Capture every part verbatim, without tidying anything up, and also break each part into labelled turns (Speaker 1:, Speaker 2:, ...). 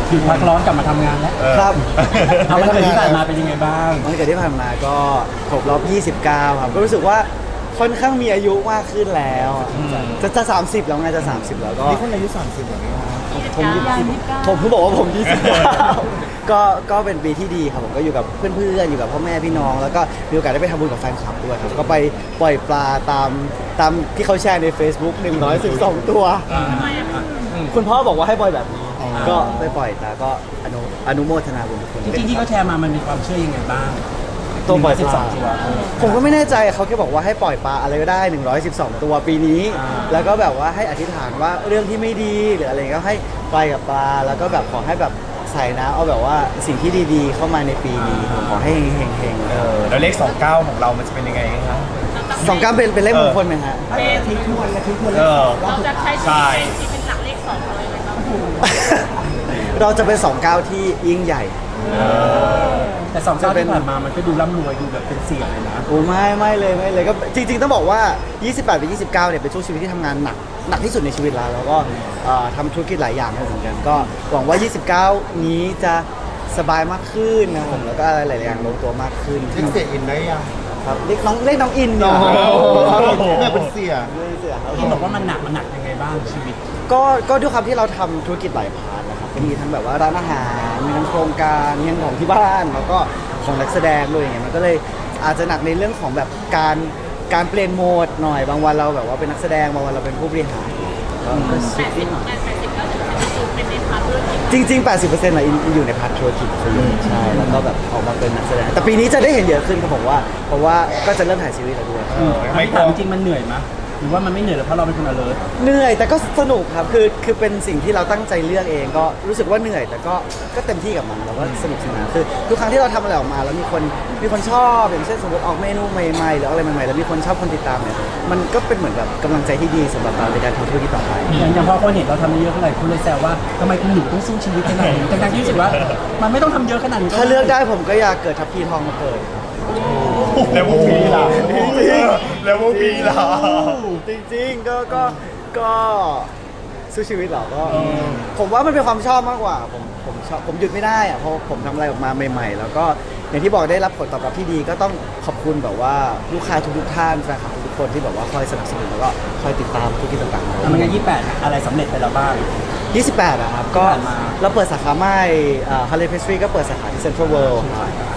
Speaker 1: หยุดพักร้อนกลับมาทำงานแล้ว
Speaker 2: ครับ
Speaker 1: เอาวันเกิดที่ผ่านมาเป็นยังไงบ้าง
Speaker 2: วันเกิดที่ผ่านมาก็ครบรอบยี่สิบเก้าครับก็รู้สึกว่าค่อนข้างมีอายุมากขึ้นแล้วจะจะสามสิบแล้วไงจะสามสิบแล้วก็
Speaker 3: นี่คนอายุสามสิบแบบนี้
Speaker 2: ผมผมเพิ่งบอกว่าผมยี่สิบเก้าก็ก็เป็นปีที่ดีครับผมก็อยู่กับเพื่อนๆอยู่กับพ่อแม่พี่น้องแล้วก็มีโอกาสได้ไปทำบุญกับแฟนคลับด้วยครับก็ไปปล่อยปลาตามตามที่เขาแชร์ใน Facebook หนึ่งร้อยสิบสองตัวคุณพ่อบอกว่าให้ปล่อยแบบนี้ก็ไปปล่อยแต่ก็อนุอนุโมทนาบุญทุกคน
Speaker 1: จริงๆที่เขาแชร์มามันมีความเชื่อยังไงบ้าง
Speaker 2: ตัวปล่อยปลาผมก็ไม่แน่ใจเขาแค่บอกว่าให้ปล่อยปลาอะไรก็ได้หนึ่งร้อยสิบสองตัวปีนี้แล้วก็แบบว่าให้อธิษฐานว่าเรื่องที่ไม่ดีหรืออะไรก็ให้ปล่อยกับปลาแล้วก็แบบขอให้แบบใส่นะเอาแบบว่าสิ่งที่ดีๆเข้ามาในปีนี้ผมขอให้เฮงๆ
Speaker 3: เออแล้วเลขสองเก้าของเรามันจะเป็นยังไงครับ
Speaker 2: สองเก้าเป็นเป็นเลขมงคลไหมฮะ
Speaker 1: เป็นทิ้งทวนและทิ้งทวนเล
Speaker 3: เอ
Speaker 1: ข
Speaker 3: อ
Speaker 4: เราจะใช้ชีวิตที่เป็นหลักเลขสองเลยไหมครับ
Speaker 2: เราจะเป็นสองเก้าที่ยิ่งใหญ่
Speaker 1: แต่สองเก้าที่ผ่านมามันก็ดูร่ำรวยดูแบบเป็นเสี่ยงเลยนะ
Speaker 2: โอ้ไม่ไม่เลยไม่เลยก็จริงๆต้องบอกว่ายี่สิบแปดไปยี่สิบเก้าเนี่ยเป็นช่วงชีวิตที่ทำงานหนักหนักที่สุดในชีวิตแล้วแล้วก็ทำธุรกิจหลายอย่างเหมือนกันก็หวังว่ายี่สิบเก้านี้จะสบายมากขึ้นนะผมแล้วก็อะไรหลายอย่างลงตัวมากขึ้น
Speaker 3: เรียกเสียอินได้ยัง
Speaker 2: ครับเรียกน้องเรียกน้องอิน
Speaker 3: เนี่ย
Speaker 2: แ
Speaker 3: ม่เป็นเสีย
Speaker 2: เสียครับ
Speaker 1: ที่บอกว่ามันหนักมันหนักยังไงบ้างชีวิต
Speaker 2: ก็ก็ด้วยความที่เราทำธุรกิจหลายพาร์ทนะครับก็มีทั้งแบบว่าร้านอาหารมีทั้งโครงการมีทั้งของที่บ้านแล้วก็ของนักแสดงด้วยอย่างเงี้ยมันก็เลยอาจจะหนักในเรื่องของแบบการการเปลี่ยนโหมดหน่อยบางวันเราแบบว่าเป็นนักแสดงบางวันเราเป็นผู้บริหาร
Speaker 4: แปดสิบแปดสิบก็ถึงเป็นในพาร์ทธุรกิจ
Speaker 2: จริงๆ แปดสิบเปอร์เซ็นต์ อ่ะอยู่ในพาร์ทธุรกิจซะเยอะใช่แล้วก็แบบออกมาเป็นนักแสดงแต่ปีนี้จะได้เห็นเยอะขึ้นครับผมว่าเพราะว่าก็จะเริ่มถ่ายซีรีส์แล้วด้วย
Speaker 1: ไม่ถามจริงมันเหนื่อยไหมหรือว่ามันไม่เหนื่อยเพราะเราเป็นคน alert
Speaker 2: เหนื่อยแต่ก็สนุกครับคือคือเป็นสิ่งที่เราตั้งใจเลือกเองก็รู้สึกว่าเหนื่อยแต่ก็ก็เต็มที่กับมันแล้วก็สนุกสนานคือทุกครั้งที่เราทำอะไรออกมาแล้วมีคนมีคนชอบอย่างเช่นสมมติออกเมนูใหม่ๆหรืออะไรใหม่ๆแล้วมีคนชอบคนติดตามเนี่ยมันก็เป็นเหมือนแบบกำลังใจที่ดีสำหรับเราในการทำธุรกิจต่อไป
Speaker 1: อย่างอย่างพอคนเห็นเราทำเยอะขนาดคุณเลยแซวว่าทำไมคุณหนุ่มต้องสู้ชีวิตขนาดนี้ทั้งๆที่รู้สึกว่ามันไม่ต้องทำเยอะขนาดนี้
Speaker 2: ถ้าเลือกได้ผมก็อยากเกิดทัพพีทองมาเกิด
Speaker 3: แล้วพวกพี่ล่ะแล้วพวกพี่ล่ะ
Speaker 2: จริงๆก็ก็ก็สู้ชีวิตเหรอก็ผมว่ามันเป็นความชอบมากกว่าผมผมชอบผมหยุดไม่ได้อะเพราะผมทำอะไรออกมาใหม่ๆแล้วก็อย่างที่บอกได้รับผลตอบรับที่ดีก็ต้องขอบคุณแบบว่าลูกค้าทุกๆท่านแฟนคลับทุกคนที่แบบว่าคอยสนับสนุนแล้วก็คอยติดตามธุรกิจต่างๆ
Speaker 1: ทำงานยี่สิบแปดอะไรสำเร็จไปแล้วบ้าง
Speaker 2: ยี่สิบแปดอะครับก็เราเปิดสาขาใหม่ฮาร์เลย์เพสทรีก็เปิดสาขาที่เซ็นทรัลเวิลด์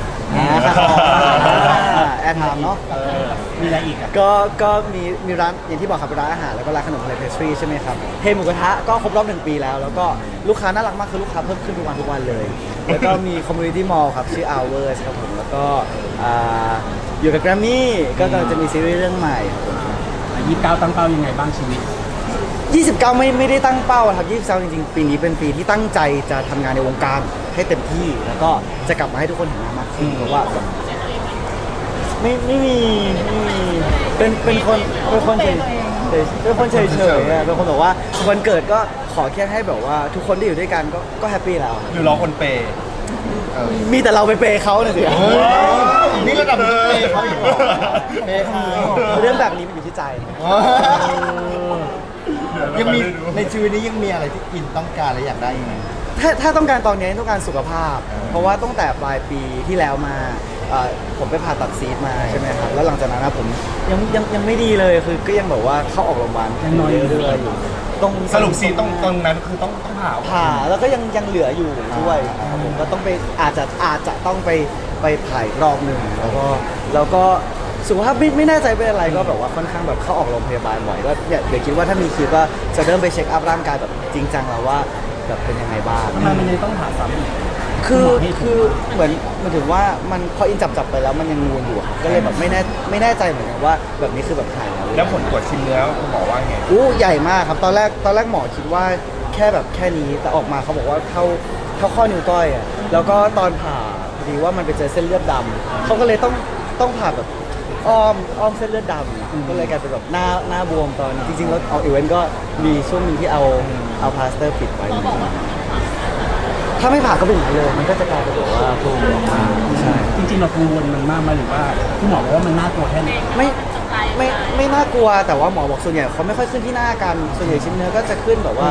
Speaker 2: แอร์ไทม์เนาะ
Speaker 1: มีอะไรอีกอ่ะ
Speaker 2: ก็ก็มีมีร้านอย่างที่บอกครับเป็นร้านอาหารแล้วก็ร้านขนมอะไรเพสทรีใช่ไหมครับเฮหมูกระทะก็ครบรอบหนึ่งปีแล้วแล้วก็ลูกค้าน่ารักมากคือลูกค้าเพิ่มขึ้นทุกวันทุกวันเลยแล้วก็มีคอมมูนิตี้มอลล์ครับชื่อ Hours ครับผมแล้วก็อยู่กับแกรมมี่ก็กำลังจะมีซีรีส์เรื่องใหม่
Speaker 1: ยี่สิบเก้าตั้งเป้ายังไงบ้างชีวิต
Speaker 2: ยี่สิบเก้าไม่ไม่ได้ตั้งเป้าครับยี่สิบเก้าจริงๆปีนี้เป็นปีที่ตั้งใจจะทำงานในวงการให้เต็มที่แล้วก็จะกลับมาให้ทุกคนเห็นมากขึ้นเพราะว่าไม่ไม่มีไม่มีเป็นเป็นคนเป็นคนเฉยเป็นคนเฉยเฉยเป็นคนบอกว่าวันเกิดก็ขอแค่ให้แบบว่าทุกคนที่อยู่ด้วยกันก็ก็แฮปปี้แล้ว
Speaker 3: หรือรอคนเปย์
Speaker 2: มีแต่เราไปเปย์เขาเนี่ยสิ
Speaker 3: นี่ระดับเปย์เขาอีกเหรอ
Speaker 2: เปย์เขาเรื่องแบบนี้มันอยู่ที่ใจ
Speaker 3: ยังมีในชีวิตนี้ยังมีอะไรที่อินต้องการและอยากได้ไหม
Speaker 2: ถ้าถ้าต้องการตอนนี้ต้องการสุขภาพเพราะว่าตั้งแต่ปลายปีที่แล้วมาผมไปผ่าตัดซีสมาใช่ไหมครับแล้วหลังจากนั้นผมยังยังยังไม่ดีเลยคือก็ยังแบบว่าเข้าออกโรงพยาบาล
Speaker 1: ยังน้อยเรื่อย
Speaker 2: อยู่ตรง
Speaker 3: สรุปซีตรงตรงนั้นคือต้องต้องผ่า
Speaker 2: ผ่าแล้วก็ยังยังเหลืออยู่ด้วยผมก็ต้องไปอาจจะอาจจะต้องไปไปผ่าอีกรอบหนึ่งแล้วก็แล้วก็สุขภาพไม่ไม่แน่ใจเป็นอะไรก็แบบว่าค่อนข้างแบบเข้าออกโรงพยาบาลบ่อยก็เดี๋ยวคิดว่าถ้ามีคิวก็จะเริ่มไปเช็คอัพร่างกายแบบจริงจังแล้วว่าแบบเป็นยังไงบ้าง
Speaker 1: ทำไมมันยังต้องผ่าซ้ำอีก
Speaker 2: คือคือเหมือนมันถึงว่ามันพออินจับจับไปแล้วมันยังงูอยู่ครับก็เลยแบบไม่แน่ไม่แน่ใจเหมือนกันว่าแบบนี้คือแบบหายแล้ว
Speaker 3: แล้วผลตรวจชิ้นเนื้อคุณหมอว่าไง
Speaker 2: อู้ใหญ่มากครับตอนแรกตอนแรกหมอคิดว่าแค่แบบแค่นี้แต่ออกมาเขาบอกว่าเท่าเท่าข้อนิ้วก้อยอ่ะแล้วก็ตอนผ่าพอดีว่ามันไปเจอเส้นเลือดดำเขาก็เลยต้องต้องผ่าแบบอ้อมอ้อมเส้นเลือดดำก็เลยกลายเป็นแบบหน้าหน้าบวมตอนจริงๆแล้วเอาอีเวนต์ก็มีช่วงนึงที่เอาเอาพลาสเตอร์ปิดไว้ถ้าไม่ผ่าก็เป็นอย่างนั้นเลยมันก็จะกลายเป็นแบบว่าโผล่ออกมาใช่
Speaker 1: จริงๆเรากังวลมันมากไหมหรือว่าคุณหมอบอกว่ามันน่ากลัวแค่ไหน
Speaker 2: ไม่ไม่ไม่น่ากลัวแต่ว่าหมอบอกส่วนใหญ่เขาไม่ค่อยขึ้นที่หน้ากันส่วนใหญ่ชิ้นเนื้อก็จะขึ้นแบบว่าท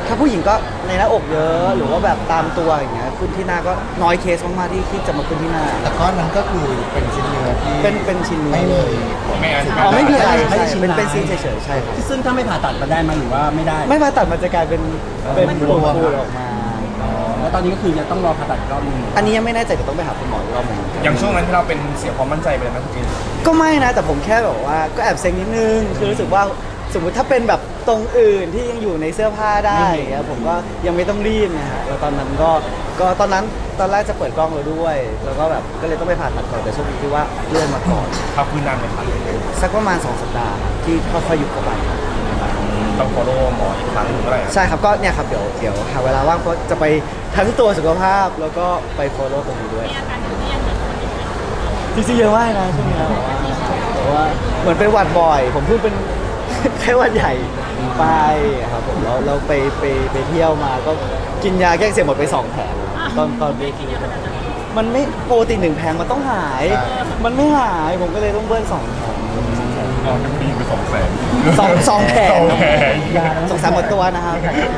Speaker 2: ถ้าผู้หญิงก็ในหน้าอกเยอะหรือว่าแบบตามตัวอย่างเงี้ยขึ้นที่หน้าก็น้อยเคสมากๆที่ที่จะมาขึ้นที่หน้า
Speaker 3: แต่ก้อนนั้นก็คือเป็นชิ้นเนื้อที่
Speaker 2: เป็นเป็นชิ้นเนื้อ
Speaker 3: ไม่มี
Speaker 5: ไม่อัน
Speaker 2: อ๋อไม่มีอะไร
Speaker 1: ไม่
Speaker 2: ใช่
Speaker 1: ได้ชิ้น
Speaker 2: เป็น
Speaker 1: ร้าย
Speaker 2: เป็นซีนเฉยๆใช่ครับ
Speaker 1: ซึ่งถ้าไม่ผ่าตัดมันได้ไหมหรือว่าไม่ได้
Speaker 2: ไม่มาตัดมันจะกลายเป็นเป็น
Speaker 3: มัน
Speaker 2: ปู
Speaker 3: รวม
Speaker 2: ปูออกมา
Speaker 1: แล้วตอนนี้ก็คือจะต้องรอผ่าตัดอีกรอบนึง
Speaker 2: อันนี้ยังไม่แน่ใจเดี๋ยวต้องไปหาคุณหมออีกรอบหนึง
Speaker 5: อย่างช่วงนั้นที่เราเป็นเสียความมั่นใจไปเลยไหมคุณกิน
Speaker 2: ก็ไม่นะแต่ผมแค่แบบว่าก็แอบเซ็งนิดนึงคือรู้สึกว่าสมมุติถ้าเป็นแบบตรงอื่นที่ยังอยู่ในเสื้อผ้าได้อย่างเงี้ยผมก็ยังไม่ต้องรีบนะฮะแล้วตอนนั้นก็ก็ตอนนั้นตอนแรกจะเปิดกล้องแล้วด้วย แล้วก็แบบก็เลยต้องไปผ่าตัดก่อนแต่โชคดีที่ว่าเลื่อนมาก่อน
Speaker 5: พักฟื้นนานไหมครับ
Speaker 2: สักประมาณสองสัปดาห์ที่ค่อยๆหยุดเข้าไป
Speaker 5: ต้อง follow หมออีกครั้งหนึ่งเมื่อไหร่
Speaker 2: ใช่ครับก็เนี่ยครับเดี๋ยวเดี๋ยวหาเวลาว่างเพราะจะไปทั้งตัวสุขภาพแล้วก็ไปโฟโล่ตรงนี้ด้วย
Speaker 4: มีอาการอยู่ที่ยังเหมือนคนอื่น
Speaker 2: จริงๆเยอะมากนะช่วงนี้นะแต่ว่าเหมือนเป็นหวัดบ่อย ผมเพิ่งเป็น ไข้หวัดใหญ่ไปครับผมแล้วเราไปไปไปเที่ยวมาก็กินยาแก้อักเสียหมดไปสองแผงตอนตอนเบรกมันไม่ปกติหนึ่งแผงมันต้องหาย มันไม่หายผมก็เลยต้องเบิ้ลสองแผง
Speaker 5: อ๋อจะมีไปสองแสน
Speaker 2: สองสองแผง
Speaker 5: สองแผง
Speaker 2: สองสามหมดตัวนะครับ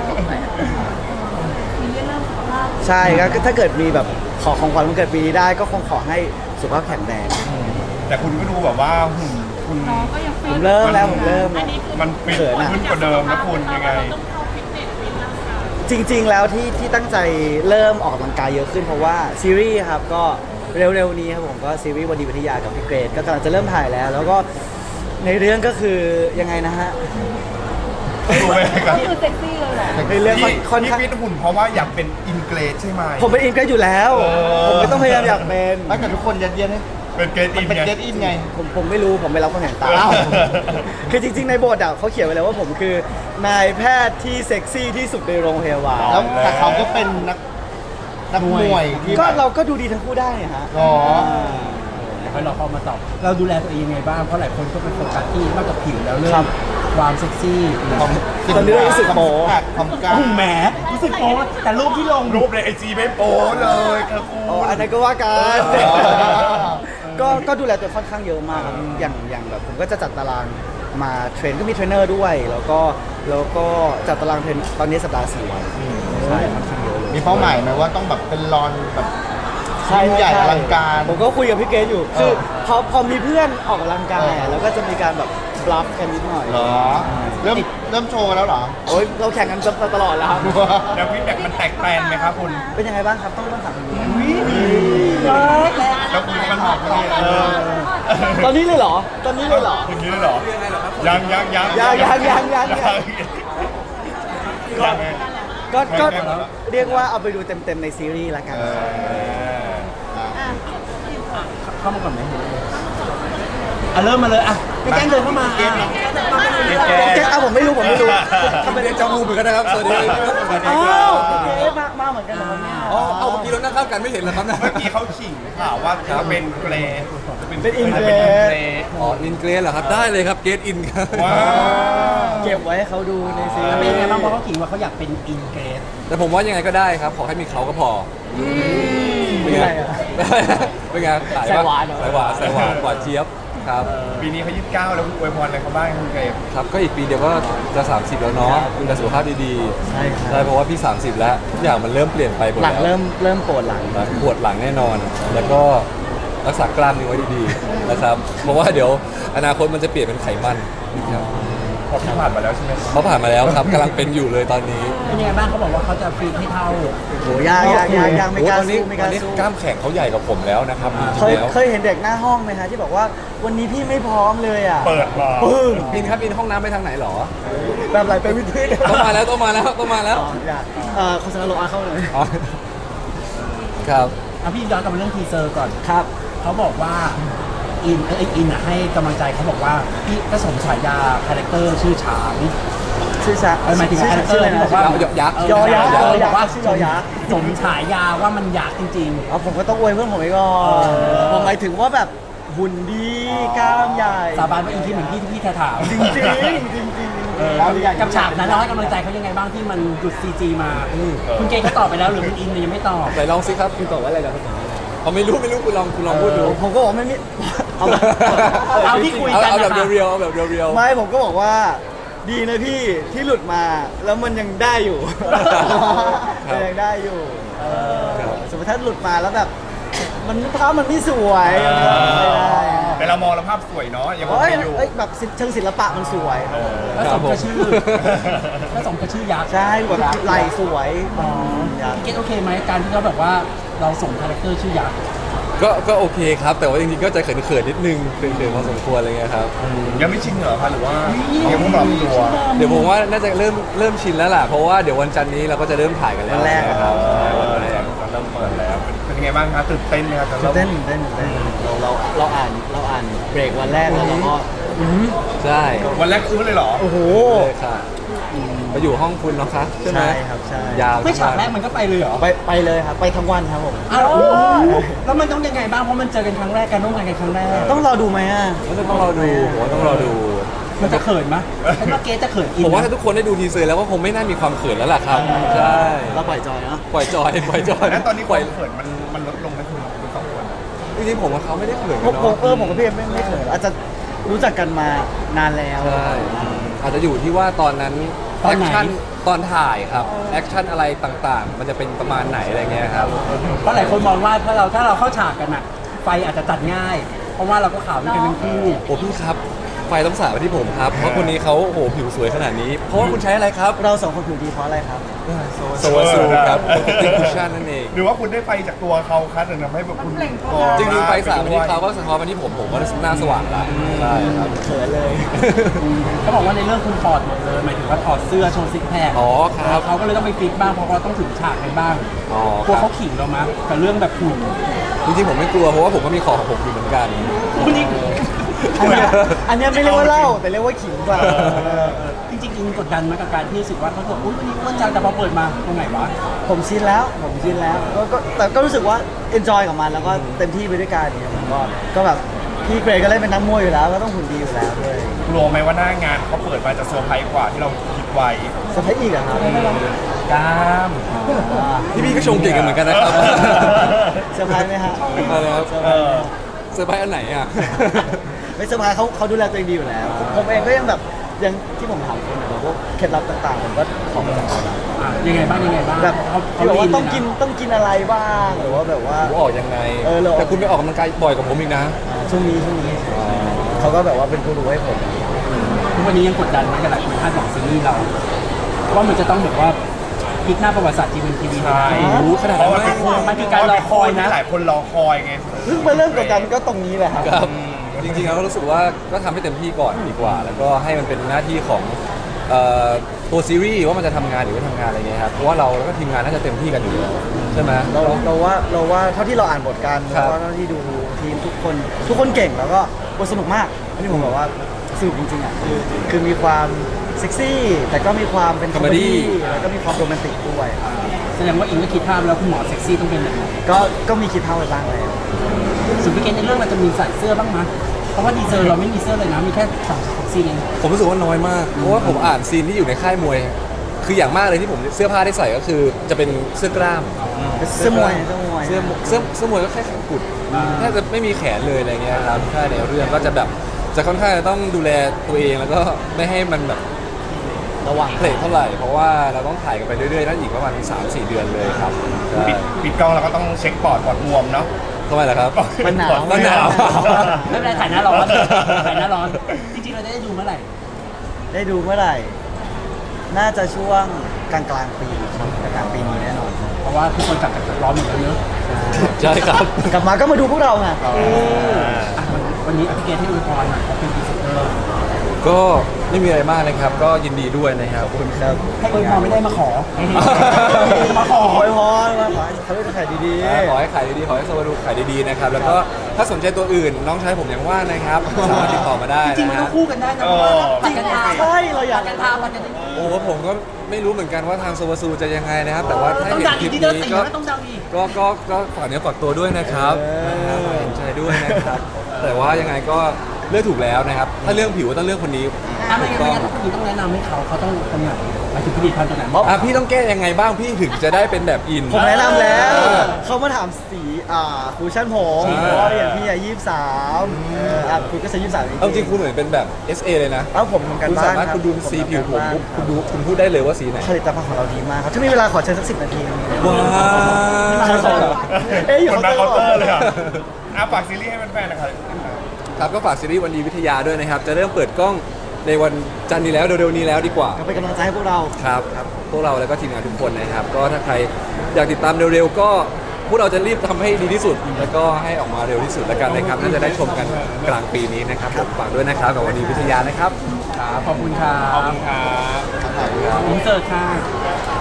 Speaker 2: ใช่ก็ถ้าเกิดมีแบบขอของขวัญวันเกิดปีนี้ได้ก็คงขอให้สุขภาพแข็งแรง
Speaker 5: แต่คุณก็ดูแบบว่าหุ่นคุณ
Speaker 4: น้องก็ยัง
Speaker 2: ผมเริ่มแล้วผมเริ่ม
Speaker 4: อันนี้คือ
Speaker 5: มันฟิต
Speaker 2: เขินอะ
Speaker 5: ขึ้นกว่าเดิมนะคุณยังไง
Speaker 4: เราต้องเข้าฟิตเนสฟิตร่างกาย
Speaker 2: จริง ๆ แล้วที่ที่ตั้งใจเริ่มออกกำลังกายเยอะขึ้นเพราะว่าซีรีส์ครับก็เร็วๆนี้ครับผมก็ซีรีส์วันดีวิทยากับพี่เกรดก็กำลังจะเริ่มถ่ายแล้ว แล้วก็ในเรื่องก็คือยังไงนะฮะ
Speaker 5: ดูไหมครับ
Speaker 4: คือเซ็กซี่เลยแหละ
Speaker 2: ในเรื่องค่อน
Speaker 5: ที่
Speaker 2: ค่อน
Speaker 5: ที่
Speaker 2: ข้าง
Speaker 5: ฟิตหุ่นเพราะว่าอยากเป็นอินเกรดใช่ไหม
Speaker 2: ผมเป็นอินเกรดอยู่แล้ว
Speaker 5: เออ
Speaker 2: ผมไม่ต้องพยายามอยากเป็น
Speaker 3: ไม่แต่ทุกคนยัดเยียดให้
Speaker 5: เป็นเกรด
Speaker 3: มั
Speaker 5: อิ
Speaker 3: น
Speaker 5: น
Speaker 3: เป็น
Speaker 5: ไง
Speaker 3: เก็ตอินไง
Speaker 2: ผมผมไม่รู้ผมไม่รับความเห็นตาม
Speaker 3: อ้าว
Speaker 2: คือจริง ๆ ในบทอ่ะเขาเขียนไว้แล้วว่าผมคือนายแพทย์ที่เซ็กซี่ที่สุดในโรงพยาบาล
Speaker 3: แล้วแต่เขาก็เป็นนักนักมวยที่
Speaker 2: ก็
Speaker 3: แบบ
Speaker 2: เราก็ดูดีทั้งคู่ได้ฮะ
Speaker 3: อ๋อ
Speaker 1: ให้เราเข้ามาตอบเราดูแลตัวเองยังไงบ้างเพราะหลายคนก็ไปโฟกัสที่นอกจากผิวแล้วเรื่อ
Speaker 2: ครั
Speaker 1: ง
Speaker 2: บ
Speaker 1: ความเซ็กซี่
Speaker 3: ความ
Speaker 2: ตอนนี้รู้สึกโป๊
Speaker 3: ความกล้า
Speaker 1: โอ้แหมรู้สึกโป๊แต่รูปที่ลง
Speaker 5: รูปในไอจีไม่โป๊เลยครับคุณ
Speaker 2: อ๋ออันนั้นก็ว่ากัน
Speaker 3: อ๋อ
Speaker 2: ก็ก็ดูแลตัวค่อนข้างเยอะมากครับอย่างอย่างแบบผมก็จะจัดตารางมาเทรนก็มีเทรนเนอร์ด้วย แล้วก็แล้วก็จัดตารางเทรนตอนนี้สัปดาห์สี่วันใช่ค่อนข้างเยอะเลย
Speaker 3: มีเป้าหมายไหมว่าต้องแบบเป็นรอนแบบ
Speaker 2: ใช่
Speaker 3: ยิ่งใหญ่
Speaker 2: ช่
Speaker 3: อลังการ
Speaker 2: ผมก็คุยกับพี่เกรซอยู่ คือ
Speaker 3: เออ
Speaker 2: พอพอมีเพื่อนออกกำลังกาย
Speaker 3: เอ
Speaker 2: อะ
Speaker 3: อ
Speaker 2: แล้วก็จะมีการแบบบลัฟกันนิดหน่อย
Speaker 3: เหรอ เริ่มเริ่มโชว์แล้วเหรอ
Speaker 2: โอ้ยเราแข่งกันตลอดแล้วครับ
Speaker 5: แล้วฟีดแบ็กมันแตกแตนไหมครับคุณ
Speaker 2: เป็นยังไงบ้างครับต้องต้องถามคุณดู
Speaker 5: แล้วคุณมันบอกว่าเออ
Speaker 2: ตอนนี้เลยเหรอ ตอนนี้เลยเหรอ
Speaker 5: อย่างนี้เลยเหรอยังยังยัง
Speaker 2: ยังยังยังยังยัง
Speaker 5: ก็
Speaker 2: ก็ก็
Speaker 5: ใกล้ๆแล้ว
Speaker 2: เรียกว่าเอาไปดูเต็มๆในซีรีส์ละกัน
Speaker 3: เออ
Speaker 1: เข้ามาก่อนไหมอ่ะเริ่มมาเลยอ่ะแกล้งเดินเข้ามาอ่ะ
Speaker 2: แกเอาผมไม่รู้ผมไม่รู้
Speaker 6: ทำไมเรียนจามูเหมือนกันนะครับ สวัสดี
Speaker 2: อ้าวเอ๊ะมามาเหมือนกันเหรอครับเนี่ย
Speaker 6: อ๋อเอาเมื่อกี้เรานั่งข้ามกันไม่เห็นเหรอครับนะ
Speaker 5: เมื่อกี้เขาขิงข่าวว่าจะเป็นเกรด
Speaker 2: เป็นอินเกร
Speaker 5: เป็นอิน
Speaker 2: ส
Speaker 5: เกรด
Speaker 6: อ๋อ อินเกรสเหรอครับ ได้เลยครับ เกรดอินครับ
Speaker 5: ว้าว
Speaker 2: เก็บไว้ให้เขาดูในซี
Speaker 1: แล้วเป็น
Speaker 2: รี
Speaker 1: ยังไง
Speaker 2: ส์
Speaker 1: บ้างเพราะเขาขิงว่าเขาอยากเป็นอินเกรส
Speaker 6: แต่ผมว่ายังไงก็ได้ครับ ขอให้มีเขาก็พอเป็นไง
Speaker 2: อะไรอะ
Speaker 6: เป็นไงสาย
Speaker 2: สายหวานเหรอ
Speaker 6: สายหวานสายหวานหวานเจี๊ยบครับ
Speaker 5: ปีนี้เขายี่สิบเก้าแล้วคุณอวยพรอะไรเขาบ้างคุณเกรด
Speaker 6: ครับ ก็อีกปีเดียวก็จะ สามสิบ แล้วเนาะดูแลสุขภาพดีๆ
Speaker 2: ใช่ครับ
Speaker 6: ใช่เพราะว่าพี่ สามสิบ แล้วทุกอย่างมันเริ่มเปลี่ยนไปหมด
Speaker 2: หลัง
Speaker 6: แล้ว
Speaker 2: เริ่มเริ่มปวดหลัง
Speaker 6: ปวดหลังแน่นอน แล้วก็รักษากล้ามเนื้อไว้ดีๆนะครับ เพราะว่าเดี๋ยวอนาคตมันจะเปลี่ยนเป็นไขมันครับ
Speaker 5: พอพี่ผ่านมาแล้วใช่ไหม
Speaker 6: เขาผ่านมาแล้วครับกำลังเป็นอยู่เลยตอนนี้
Speaker 1: เป็นยังไงบ้างเขาบอกว่าเขาจะฟีดให้เท่า
Speaker 2: โหยากยากยากยากไม่
Speaker 6: โอ้
Speaker 2: กล้า
Speaker 6: ตอนนี้
Speaker 2: สู้ไม่ก
Speaker 6: ตอ
Speaker 2: ล้าน
Speaker 6: นี้
Speaker 2: สู้
Speaker 6: กล้ามแข็งเขาใหญ่กว่าผมแล้วนะครับจ
Speaker 2: เค
Speaker 6: ริ
Speaker 2: ย
Speaker 6: งๆแล้ว
Speaker 2: เคยเห็นเด็กหน้าห้องไหมฮะที่บอกว่าวันนี้พี่ไม่พร้อมเลยอ่ะ
Speaker 5: เปิดมา
Speaker 2: ปึ้ง
Speaker 6: อินครับอินห้องน้ำไปทางไหนหรอ
Speaker 2: แบบไรเป็นวิธี
Speaker 6: ต้องมาแล้วต้องมาแล้วต้องมาแล้ว
Speaker 2: อ๋ออยากเอ่อโฆษณาโลอาเข้าเลย
Speaker 6: อ๋อครับ
Speaker 1: อ่ะพี่ย้อนกลับมาเรื่องทีเซอร์ก่อน
Speaker 2: ครับ
Speaker 1: เขาบอกว่าอินเอ้ยอินอ่ะให้กำลังใจเขาบอกว่าพี่ก็สมฉายาคาแรคเตอร์ชื่อฉาง
Speaker 2: ชื่อชา
Speaker 1: เออหมายถึงคาแรคเตอร์ที่บอกว่า
Speaker 6: ยักษ์
Speaker 1: เ
Speaker 2: ยอยักษ์
Speaker 1: เออ
Speaker 2: ยั
Speaker 1: บ
Speaker 2: กษ์
Speaker 1: อกว่า
Speaker 2: ชื่อยอยักษ์
Speaker 1: สมฉายาว่ามันยักษ์จริง
Speaker 2: เอาผมก็ต้องอวยเพื่อนผมไปก่อนผมหมายถึงว่าแบบหุ่นดีกล้ามใหญ่
Speaker 1: ๆ สาบานว่าอินที่เหมือนพี่ที่พี่ถาม
Speaker 2: จริงจริงจริงจริง
Speaker 1: เออกับฉากนั้นเราให้กำลังใจเขายังไงบ้างที่มันหยุดซีจีมา คุณเกย์เขาตอบไปแล้วหรือคุณอินเนี่ยยังไม่ตอบ
Speaker 6: ไหนลองสิครับคุณตอบว่าอะไรนะเขาไม่รู้ไม่รู้คุณลองคุณลองพูดดู
Speaker 2: ผมก็บอกไม่มีเอา
Speaker 1: เอาที่คุยกัน
Speaker 6: เอาแบบ
Speaker 1: นะคะ
Speaker 6: เรียวๆเอาแบบเรียวๆ
Speaker 2: ไม่ผมก็บอกว่าดีนะพี่ที่หลุดมาแล้วมันยังได้อยู่ มันยังได้อยู่เออ
Speaker 6: ครับ
Speaker 2: สมมติถ้าหลุดมาแล้วแบบ มันภาพมันไม่สวยมันก็ไม่ได้
Speaker 5: แต่เรามองแล้วภาพสวยเนาะยังโอ
Speaker 2: เอ้
Speaker 5: เค
Speaker 2: ย
Speaker 5: อยู่
Speaker 2: เอ้ยแบบเชิงศิลปะมันสวย
Speaker 1: แล้วสมกับชื่อแล้วสมกับชื่อยักษ์
Speaker 2: ใช่แบบไหลสวย
Speaker 1: อ๋อ
Speaker 2: อยาก
Speaker 1: พี่เกตโอเคไหมการที่เขาแบบว่าเราส่งคาแรคเตอร์ชื่อยักษ์
Speaker 6: ก็ก็โอเคครับ แต่ว่าจริงๆก็จะเขินๆนิดนึงเขินๆพอสมควรอะไรเงี้ยครับ
Speaker 5: ยังไม่ชินเหรอคะหรือว่ายังไม่ปรับตัว
Speaker 6: เดี๋ยวผมว่าน่าจะเริ่มเริ่มชินแล้วล่ะเพราะว่าเดี๋ยววันจันทร์นี้เราก็จะเริ่มถ่ายกันแล้ว
Speaker 2: วันแรก
Speaker 6: นะครับใช่วันแรก
Speaker 5: เริ่มเปิดแล้วเป็นยังไงบ้างคะตื่นเต้นไหมครับ
Speaker 2: ตื่นเต้นตื่นเต้นตื่นเต้นเราเราเราอ่านเราอ่านเบรกวันแรกแล้วเราก็
Speaker 6: ใช่
Speaker 5: วันแรกอื้อเลยเหรอ
Speaker 2: โอ้โห
Speaker 6: เลยค่ะมาอยู่ห้องคุณเนาะคะใช่ไหม
Speaker 2: ใช่ครับใช่
Speaker 6: ยาว
Speaker 1: ไม่ฉาก
Speaker 6: ทั้งวัน
Speaker 1: แรกมันก็ไปเลยเหรอ
Speaker 2: ไปไปเลยครับไปทั้งวันครับผม
Speaker 1: อ้าวแล้วมันต้องยังไงบ้างเพราะมันเจอกันครั้งแรกการร่วมงานกันครั้งแรก
Speaker 2: ต้องรอดูไหมอ่ะ
Speaker 6: ต้องรอดูผมว่าต้องรอดู
Speaker 1: มันจะเขินไหมฉันว่าเกตจะเขินอิน
Speaker 6: ผมว่า
Speaker 1: นะ
Speaker 6: ถ้าทุกคนได้ดูทีเซอร์แล้วก็คงไม่น่ามีความเขินแล้วล่ะครับใช่
Speaker 2: เราปล่อยจอยเนาะ
Speaker 6: ปล่อยจอยปล่อยจอย
Speaker 5: แล้วตอนนี้ค
Speaker 6: ปล่
Speaker 5: วา
Speaker 6: อย
Speaker 5: มเขินมันมันลดลงไหมคุณคุณสองคน
Speaker 6: จริงๆผมกับเขาไม่ได้เขิน
Speaker 2: ผ
Speaker 6: กัน
Speaker 2: มผม
Speaker 6: เนาะ
Speaker 2: เออผมกับพี่เอ็มไม่ไม่เขินอาจจะรู้จักกันมานานแล้ว
Speaker 6: ใช่อาจจะอยู่ที่ว่าตอนนั้นแอคชั่นตอนถ่ายครับแอคชั่นอะไรต่างๆ มันจะเป็นประมาณไหนอะไรเงี้ยครับ
Speaker 1: เพราะหลายคนมองว่าถ้าเราถ้าเราเข้าฉากกันอะไฟอาจจะตัดง่าย เพราะว่าเราก็ข่าวด้วยกันทั้งคู่
Speaker 6: โอ้พี่ครับไฟต้องสาดไปที่ผมครับ เพราะคนนี้เขาโอ้โหผิวสวยขนาดนี้ เพราะว่าคุณใช้อะไรครับ
Speaker 2: เราสองคนผิวดีเพราะอะไรครับ
Speaker 6: โซวาซูครับติคุชชั่นนั่นเอง
Speaker 5: หรือว่าคุณได้ไฟจากตัวเขาคะถึงทำให้แบบคุณ
Speaker 6: จริงๆไฟสาดไปที่เขาก็สะท้อนมาที่ผมผมก็หน้าสว่างละใช่ครับ
Speaker 2: เขินเลย
Speaker 1: เขาบอกว่าในเรื่องคุณถอดหมดเลยหมายถึงว่าถอดเสื้อโชว์ซิกแพค
Speaker 6: อ๋อครับ
Speaker 1: เขาก็เลยต้องไปฟิตบ้างเพราะเขาต้องถึงฉากกันบ้าง
Speaker 6: อ๋อก
Speaker 1: ลัว
Speaker 6: ครั
Speaker 1: เขา
Speaker 6: บ
Speaker 1: ขิงเรามั้ยกับเรื่องแบบหุ่น
Speaker 6: จริงๆผมไม่กลัวเพราะว่าผมก็มีของของผมอยู่เหมือนกัน
Speaker 1: คุณนี่
Speaker 2: อันเนี้ยอันเนี้ยไม่เรียกว่าเล่าแต่เรียกว่าขิงกว่า
Speaker 1: จริงๆอินกดดันไหมกับการที่รู้สึกว่าเขาบอกอุ้ยวันนี้อ้วนจังแต่พอเปิดมาตรงไหนวะ
Speaker 2: ผมชินแล้วผมชินแล้วก็ก็แต่ก็รู้สึกว่า enjoy กับมันแล้วก็เต็มที่ไปด้วยกันเนี่ยผมก็ก็แบบพี่เกรย์ก็เล่นเป็นนักมวยอยู่แล้วก็ต้องหุ่นดีอยู่แล้วด้วย
Speaker 5: กลัวไหมว่าหน้างานเขาเปิดมาจะเซอร์ไพรส์กว่าที่เราคิดไว้
Speaker 2: สเปคอีกเหรอะครับ
Speaker 5: กล้าม
Speaker 2: อ่า
Speaker 6: พี่พี่ก็ชงเก่งกันเหมือนกันนะครับ
Speaker 2: เซอร์ไพรส์ไหมฮะ
Speaker 6: อะไรครับ
Speaker 2: เซอร์ไพรส์ไหม
Speaker 6: เซอร์ไพรส์อันไหนอ่ะ
Speaker 2: ไม่เซอร์ไพรส์เขาเขาดูแลตัวเองดีอยู่แล้ว ผมเองก็ยังแบบยังที่ผมถามคุณแบบพวกเคล็ดลับต่างๆผมก็ขอมาจากเขานะ
Speaker 1: อ่ะยังไงบ้างยังไงบ้าง
Speaker 2: แบบ
Speaker 1: เขา
Speaker 2: ที่บอกว่า
Speaker 1: เข
Speaker 2: ต้องกิน
Speaker 1: เลยะ
Speaker 2: ต้องกินอะไรบ้างหรือว่าแบบว่า
Speaker 6: ผมออกยังไง
Speaker 2: เออเราออก
Speaker 6: แต่คุณไปออกกำลังกายบ่อยกว่าผมอีกนะ
Speaker 2: อ่าช่วงนี้ช่วงนี้เขาก็แบบว่าเป็นกูรูให้ผม
Speaker 1: ทุกวันนี้ยังกดดันไหมกับหลายคนคาดหวังซีรีส์เราว่ามันจะต้องแบบว่าพลิกหน้าประวัติศาสตร์จีเอ็มทีวี
Speaker 5: ใช่
Speaker 6: รู้ขนาด
Speaker 5: เพ
Speaker 6: นั้น
Speaker 5: ราะ
Speaker 6: ไหม
Speaker 5: มันเป็น
Speaker 1: มันคือการรอคอยนะ
Speaker 5: หลายคนรอคอยไง
Speaker 2: เพิ่งมาเริ่มกดดันก็ตรงนี้แหละครับ
Speaker 6: ครับ จริงๆเราก็รู้สึกว่าก็ทำให้เต็มที่ก่อนดีกว่า แล้วก็ให้มันเป็นหน้าที่ของเอ่อตัวซีรีส์ว่ามันจะทำงานหรือไม่ทำงานอะไรเงี้ยครับเพราะว่าเราแล้วก็ทีมงานน่าจะเต็มที่กันอยู่แล้วใช่ไหม
Speaker 2: เราเราว่าเราว่าเท่าที่เราอ่านบทกัน
Speaker 6: ครั
Speaker 2: แล้ว
Speaker 6: บ
Speaker 2: ก็เท่าที่ดูทีมทุกคนทุกคนเก่งแล้วก็บทสนุกมากอันนี้ผมบอกว่าสนุกจริงๆอ่ะคือคือมีความเซ็กซี่ แต่ก็มีความเป็นคอมเมดี้แล้วก็มีความโรแมนติกด้วย
Speaker 1: แสดงว่าอิงก็คิดภาพแล้วคุณหมอเซ็กซี่ต้องเป็นแบบไหน
Speaker 2: ก็ก็มีคิดเท่าไปบ้างแล้ว
Speaker 1: ส่วนพี่เกณในเรื่องเราจะมีใส่เสื้อบ้างไหมเพราะว่าดีเซอร์เราไม่มีเสื้อเลยนะมีแค่สองเซ็กซี่เอง
Speaker 6: ผมรู้สึกว่าน้อยมาก เพราะว่าผมอ่านซีนที่อยู่ในค่ายมวย คืออย่างมากเลยที่ผมเสื้อผ้าได้ใส่ก็คือจะเป็นเสื้อกล้าม
Speaker 2: เสื้อมวยเสื้อมวย
Speaker 6: เสื้อเสื้อเสื้อมวยก็แค่แขนกุดแทบจะไม่มีแขนเลยอะไรเงี้ยครับใช่ในเรื่องก็จะแบบจะค่อนข้างจะต้องดูแลตัวเองแล้วก็ไม่ให้มันแบบ
Speaker 2: ระวัง
Speaker 6: เพลทเท่าไหร่ เพราะว่าเราต้องถ่ายกันไปเรื่อยๆนั่นอีกประมาณสามสี่เดือนเลยครับใช่
Speaker 5: ปิดปิดกล้องเราก็ต้องเช็คปอดปอดบวมเนาะ
Speaker 6: ทำไมล่ะครับ
Speaker 2: มันหนาว
Speaker 6: มันหนาว
Speaker 1: ไม่เป็นไรถ่ายหน้าร้อนถ่ายหน้าร้อน จริงๆ เราจะได้ดูเมื่อไหร่
Speaker 2: ได้ดูเมื่อไหร่ น่าจะช่วงกลางกลางๆปีครับกลางกลางๆปีนี้แน่นอน
Speaker 1: เพราะว่าทุกคนกลับจากร้อนหมดแล้วเนอะ
Speaker 6: ใช่ครับ
Speaker 2: กลับมาก็มาดูพวกเราไง
Speaker 1: อ่ะวันวันนี้พี่เกณให้ดูพรหน่อยเขาเป็นพรีเซนเตอร์
Speaker 6: ก็ไม่มีอะไรมากนะครับ ก็ยินดีด้วยนะครับ
Speaker 2: ขอบคุณครับ
Speaker 1: ให้อวยพรไม่ได้มาขอ มาขอ
Speaker 2: ขอให้พรมาขอให้เขาได้ขายดี
Speaker 6: ขอให้ขายดีๆ ขอให้สวัสดีขายดีๆ นะครับ แล้วก็ถ้าสนใจตัวอื่น น้องชายผมยังว่างนะครับ สามารถติดต่อมาได้
Speaker 1: จริงๆ มัน
Speaker 6: นะ
Speaker 1: ต้อ
Speaker 6: ฮะ
Speaker 1: งคู่กันได้นะเพราะว่าปัดกันทา
Speaker 2: ๆใช่เราอยาก
Speaker 1: ปัดกันทาปัดกันได้
Speaker 6: โอ้ผมก็ไม่รู้เหมือนกันว่าทางโซวาซูจะยังไงนะครับ แต่ว่าถ้า
Speaker 1: ต้อง
Speaker 6: เห็น
Speaker 1: ดัง
Speaker 6: ค
Speaker 1: อี
Speaker 6: ลิ
Speaker 1: ก
Speaker 6: ป
Speaker 1: ที่เดิน
Speaker 6: นี้
Speaker 1: สี
Speaker 6: ก็
Speaker 1: นะต้องดังอีก
Speaker 6: ก็ก็ก็ฝากเนื้อฝากตัวด้วยนะครับนะครับขอเห็นใจด้วยนะครับ แต่ว่ายังไงก็เลือกถูกแล้วนะครับถ้าเรื่องผิวก็ต้องเลือกคนนี้
Speaker 1: ถ้าไม่
Speaker 6: ถูก
Speaker 1: งั้น
Speaker 6: ต้อง
Speaker 1: ไม่งั้นคุณต้องแนะนำให้เขาเขาต้องคนไหนหมายถึงผลิตภัณฑ์ตัวไหน
Speaker 6: อ่ะพี่ต้องแก้ยังไงบ้างพี่ถึงจะได้เป็นแบบอิน
Speaker 2: ผมแนะนำแล้ว
Speaker 6: เออ
Speaker 2: เขามาถามสีอ่าคูชั่นผม
Speaker 6: อ่า
Speaker 2: เพราะอย่างพี่อ่ะยี่สิบสามเอออ่ะคุณก็ใช้ยี่สิบสาม
Speaker 6: เอาจริงคุณเหมือนเป็นแบบ เอส เอ เลยนะ
Speaker 2: เอ้าผมทำการ
Speaker 6: คุณ
Speaker 2: บ้า
Speaker 6: สาน มารถ
Speaker 2: รับ
Speaker 6: คุณดูสีผิวผม
Speaker 2: ทำการ
Speaker 6: ปุ๊บ
Speaker 2: บ้าน
Speaker 6: คุณดูคุณพูดได้เลยว่าสีไหน
Speaker 2: ผลิตภัณฑ์ของเราดีมากครับถ้ามีเวลาขอเชิญสักสิบนาทีนึง
Speaker 6: ว้า
Speaker 2: ขายของเหรอ
Speaker 6: ว
Speaker 2: เอ๊ะอยู่
Speaker 3: คนมาเคาน์เตอร์เลยอ่ะ
Speaker 5: อ่ะฝากซีรีส์ให้แฟนๆนะครับ
Speaker 6: ครับก็ฝากซีรีส์วันดีวิทยาด้วยนะครับ จะเริ่มเปิดกล้องในวันจันทร์นี้แล้วเร็วๆนี้แล้วดีกว่า
Speaker 2: ก็เป็นกำลังใจให้พวกเรา
Speaker 6: ครับ พวกเราแล้วก็ทีมงานทุกคนนะครับ ก็ถ้าใครอยากติดตามเร็วๆ ก็พวกเราจะรีบทำให้ดีที่สุด แล้วก็ให้ออกมาเร็วที่สุดแล้วกันนะครับ น่าจะได้ชมกันกลางปีนี้นะครับผมฝากด้วยนะครับกับวันดีวิทยานะครับ
Speaker 1: ครับขอบคุณครั
Speaker 5: ขอบบ คุณครับ
Speaker 1: อินเสิร์ตค่ะ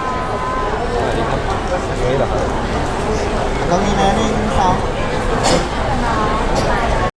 Speaker 2: ต้องมีนะหนึ่งสอง